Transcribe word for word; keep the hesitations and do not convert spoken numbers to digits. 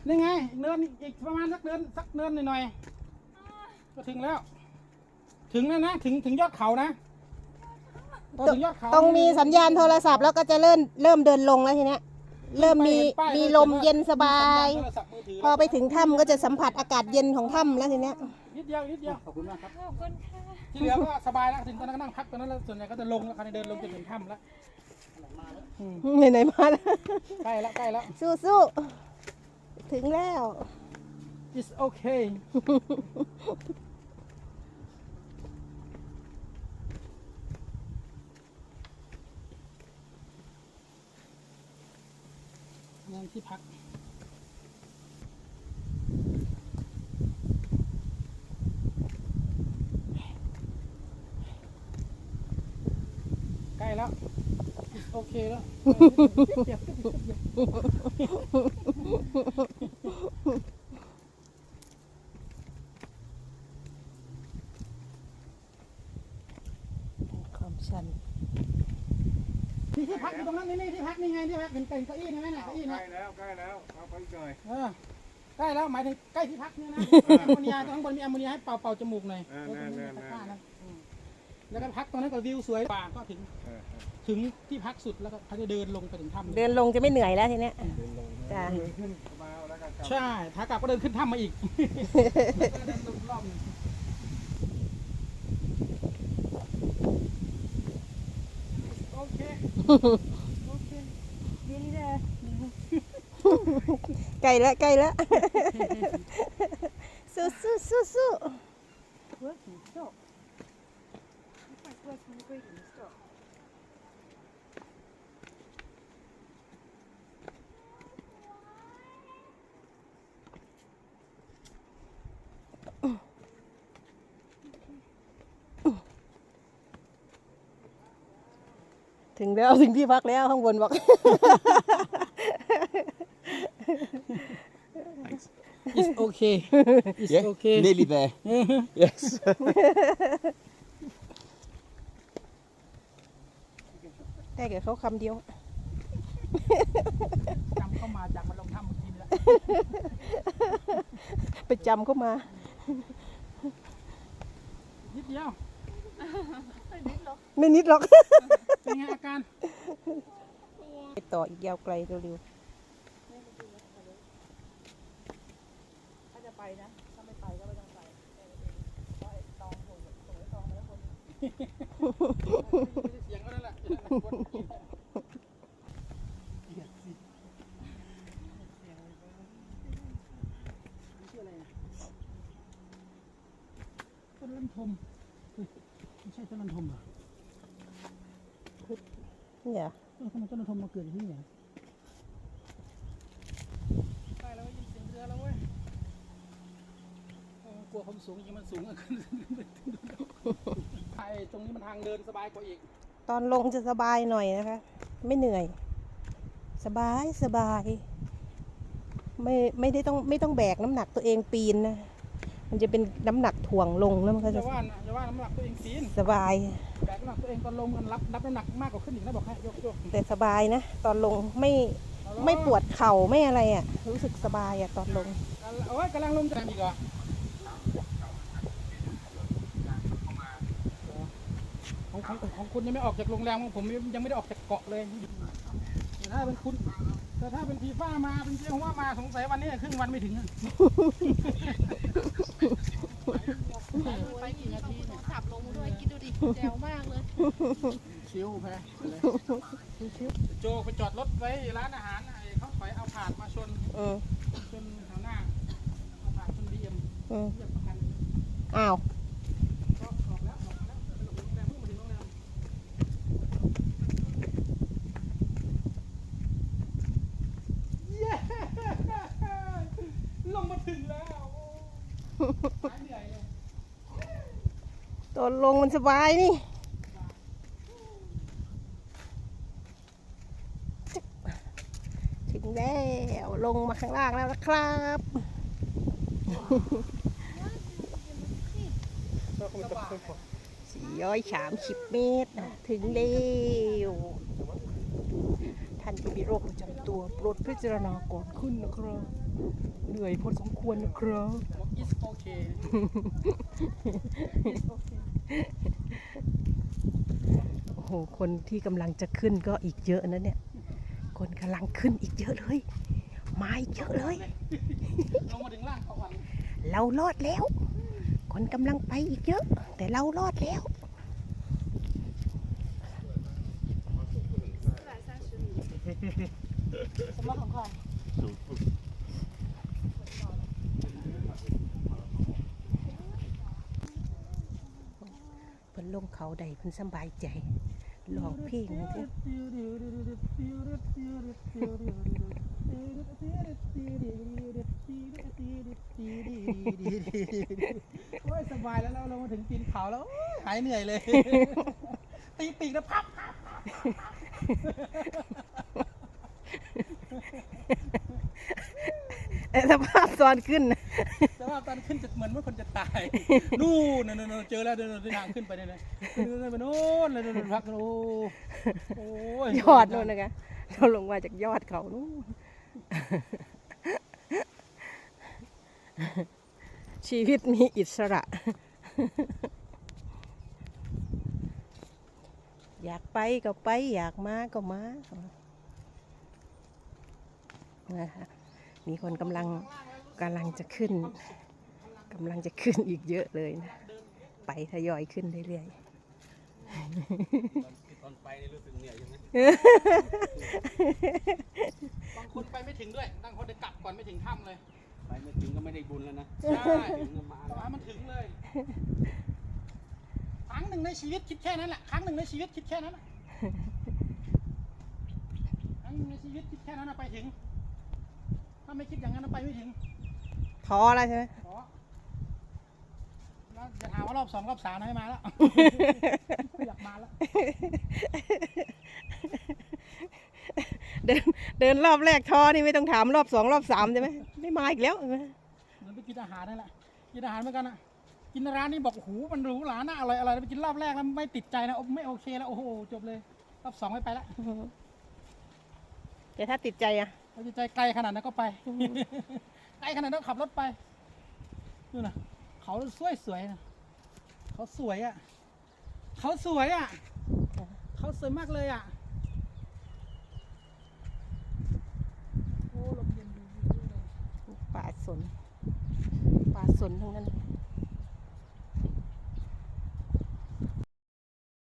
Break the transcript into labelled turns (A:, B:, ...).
A: นี่ไงเนินอีกประมาณสักเนินสักเนินหน่อยๆก็ถึงแล้วถึงแล้วนะถึงถึงยอดเขานะถึงยอดเขา
B: ต้องมีสัญญาณโทรศัพท์แล้วก็จะเริ่มเริ่มเดินลงแล้วทีเนี้ยเริ่มมีมีลมเย็นสบายพอไปถึงถ้ำก็จะสัมผัสอากาศเย็นของถ้ำแล้วทีเนี้ย
A: นิดเดียวนิดเดียวขอบคุณมากครับ
C: ขอบคุณค่ะ
A: ที่เหลือก็สบายแล้วถึงตอนนั้นก็นั่งพักตอนนั้นแล้วส่วนใหญ่ก็จะลงแล้วคันเดินลงจนถึงถ้ำแล้ว
B: ไหนไหนมาแล้ว
A: ใกล้แล้วใกล้แล้ว
B: สู้สู้ถึงแล้ว
A: it's okay นั่นที่พักใกล้แล้วโอเคแล้ว
B: ความชัน
A: นี่ที่พักอยู่ตรงนั้นนี่นี่ที่พักนี่ไงที่พักเป็นเก้าอี้ใช่ไหมนะเก้าอี้นะ
D: ใกล้แล้วใกล้แล้วเอาไปหน่อย
A: เออใกล้แล้วหมายถึงใกล้ที่พักเนี่ยนะแอมโมเนียข้างบนมีแอมโมเนียให้เป่าเป่าจมูกหน่อยแล้วก็พักตรงนั้นก็วิวสวยกว่าก็ถึงถึงที่พักสุดแล้วก็เขาจะเดินลงไปถึงถ้ำ
B: เดินลงจะไม่เหนื่อยแล้วทีเนี้ยจ้า
D: ขึ้นมาแล้วกัน
A: ใช่ขากลับก็เดินขึ้นถ้ำมาอีกเดินลงรอบโอเคโอเคดีเลย
B: ใกล้แล้วใกล้แล้วสู้สู้สู้สู้ถึงแล้วถึงที่พักแล้วข้างบนบอก
A: It's okay. It's
D: yeah,
A: okay.
D: Nearly there. Yes.
B: ได้แก่เขาคำเดียว
A: จำเข้ามาจากมันลงถ้ำเมื่อกี้แล้ว
B: ไปจำเข้ามา
A: นิดเดียว
B: ไม่นิดหรอก
A: เป็นไงอาการ
B: ไปต่ออีกยาวไกลเร็วๆ
C: ถ้าจะไปนะถ้าไม่ไปก็ไม่ต้องไปเพราะไอ้ตองส่งส่งไอ้ตองมาแล้วคน
A: เสียงก็นั่นแหละต้นลันทมไม่ใช่ต้นลันทมเหรอ
B: เนี่ย
A: เออทำไมต้นลันทมมาเกิดที่นี่เนี่ยใกล้แล้วยินเสียงเรือแล้วเว้ยกลัวความสูงยิ่งมันสูงขึ้นไอ้ตรงนี้มันทางเดินสบายกว่าอีก
B: ตอนลงจะสบายหน่อยนะคะไม่เหนื่อยสบายสบายไม่ไม่ได้ต้องไม่ต้องแบกน้ำหนักตัวเองปีนนะมันจะเป็นน้ำหนักถ่วงลงแล้วมันก็จะ
A: ว่าจะว่าน้ำหนักตัวเองปีน
B: สบาย
A: แบกน้ำหนักตัวเองตอนลงมันรับรับน้ำหนักมากกว่าขึ้นอีกนะบอกให้ยกยก
B: แต่สบายนะตอนลงไม่ไม่ปวดเข่าไม่อะไรอ่ะรู้สึกสบายอ่ะตอนลง
A: โอ้ยกำลังลงจะอีกเหรอของของของคุณยังไม่ออกจากโรงแรมของผมยังไม่ได้ออกจากเกาะเลยถ้าเป็นคุณแต่ถ้าเป็นฟีฟ่ามาเป็นเจ้าว่ามาสงสัยวันนี้ครึ่งวันไม่ถึง
C: ไปกี่นาทีเนี่ยขับลงด้วยคิดดูดิแจ๋วมากเลย
A: ชิวแพ้โจไปจอดรถไว้ร้านอาหารเขาถอยเอาผ่านมาชนชนแถวหน้าเอาผ่านชนบีเอ็มเรียกประกัน
B: อ้าว
A: ลงมาถึงแล้ว
B: ตอนลงมันสบายนี่ถึงแล้วลงมาข้างล่างแล้วนะครับสี่ร้อยสามสิบเมตรถึงแล้วท่านที่มีโรคประจำตัวโปรดพิจารณาก่อนขึ้นนะครับ เหนื่อยพอสมควรนะครับ
A: บอก is okay
B: โอ้โห คนที่กำลังจะขึ้นก็อีกเยอะนะเนี่ย คนกำลังขึ้นอีกเยอะเลย มาอีกเยอะเลย
A: ลงมาถึงล่างเขาวัน
B: เรารอดแล้ว คนกำลังไปอีกเยอะ แต่เรารอดแล้ว
C: 什么很快？
B: เพิ่นลงเขาใดเพิ่นสบายใจลองเพลงเถอะ
A: โอ้ยสบายแล้วเราลงมาถึงตีนเขาแล้วโอ้ยหายเหนื่อยเลย ตีปีกแล้วพับพับพับ
B: แต่สภาพตอนขึ้นนะ
A: แต่ว่าตอนขึ้นจะเหมือนว่าคนจะตาย นู่นนู่นนู่นเจอแล้วเดินเดินทางขึ้นไปเนี่ยนะเดินไปโน่นเลยเดินพักโอ้โอ้ย
B: ยอดเลยนะคะเราลงมาจากยอดเขานู่นชีวิตมีอิสระ อยากไปก็ไปอยากมาก็มานะคะมีคนกำลังกำลังจะขึ้นกำลังจะขึ้นอีกเยอะเลยนะไปทยอยขึ้นเรื่อย
D: ตอนไปนี่รู้สึกเหนื่อยใช่ไหม
A: บางคนไปไม่ถึงด้วยบางคนจะกลับก่อนไม่ถึงถ้ำเลย
D: ไปไม่ถึงก็ไม่ได้บุญแล้วนะ
A: ใช่
D: ถึงก็มา
A: แต่ว่ามันถึงเลย ครั้งหนึ่งในชีวิตคิดแค่นั้นแหละ ครั้งหนึ่งในชีวิตคิดแค่นั้นน่ะครั้งหนึ่งในชีวิตคิดแค่นั้นนะไปถึง ถ้าไม่คิดอย่างนั้นนะไปไม่ถึง
B: ๆท้อแล้วใช่ไหม
A: ขอแล้วจะถามว่ารอบสองรอบสามนะให้มาแล้ว ไม่อยากมาแล้ว
B: เดินเดินรอบแรกท้อนี่ไม่ต้องถามรอบสองรอบสามใช่ไหมไม่มาอีกแล้วใช่ไหม
A: เหมือนไปกินอาหารนั่นแหละ กินอาหารเหมือนกันอ่ะ กินร้านนี้บอกโอ้โหมันหรูหราน่าอร่อยอะไรไปกินรอบแรกแล้วไม่ติดใจนะไม่โอเคแล้วโอ้โหจบเลย รอบสองไม่ไปละ
B: แต่ถ้าติดใจอ่ะ
A: เราจะใจไกลขนาดนั้นก็ไป ไกลขนาดนั้นขับรถไปนู่นน่ะเขาสวยสวยๆนะเขาสวยอ่ะเขาสวยอ่ะเขาสวยมากเลยอ่ะโอ้ลมเย็นดีเลย
B: ป่าสนป่าสนทั้งนั้น